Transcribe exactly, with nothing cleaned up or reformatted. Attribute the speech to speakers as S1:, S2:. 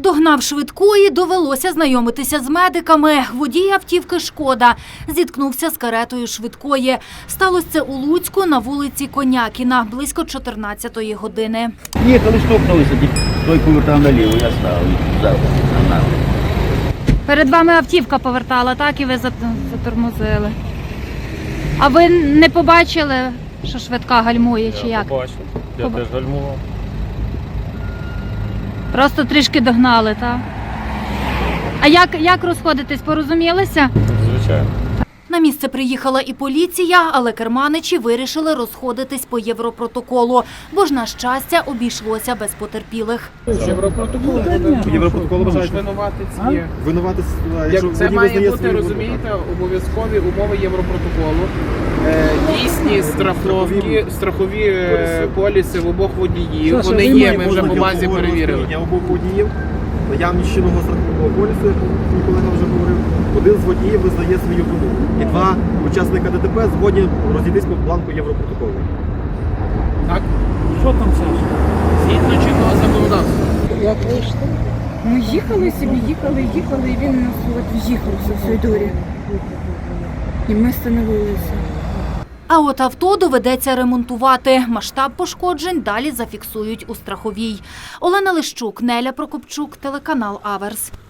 S1: Догнав швидкої, довелося знайомитися з медиками. Водій автівки «Шкода» зіткнувся з каретою швидкої. Сталося це у Луцьку на вулиці Конякіна близько чотирнадцятої години.
S2: Їхали, штовхнулися, той повертав наліво, я став завтра.
S1: Перед вами автівка повертала, так? І ви затормозили. А ви не побачили, що швидка гальмує, чи як?
S3: Я побачив, я
S1: Поба...
S3: теж гальмував.
S1: Просто трішки догнали, так? А як, як розходитись, порозумілися?
S3: Звичайно.
S1: На місце приїхала і поліція, але керманичі вирішили розходитись по Європротоколу, бо ж, на щастя, обійшлося без потерпілих.
S4: Європротокол.
S5: Європротокол вважають.
S4: Винуватець є.
S5: Винуватись,
S4: Як це має бути,
S5: свою
S4: розумієте, обов'язкові умови Європротоколу. Е, Дійсні страховки, страхові е, поліси в обох водіїв. Вони є, ми вже по базі перевірили.
S5: Я обох водіїв, наявність чинного страхового полісу, як мій колега вже говорив, один з водіїв визнає свою вину. І два учасника ДТП згодні розійтись по бланку Європротоколу.
S4: Так? Що там, Саша? Згідно чинного законодавства.
S6: Як вийшло? Ми їхали собі, їхали, їхали, і він нас от в'їхався в цій дорі. І ми становилися.
S1: А от авто доведеться ремонтувати. Масштаб пошкоджень далі зафіксують у страховій. Олена Лищук, Неля Прокопчук, телеканал Аверс.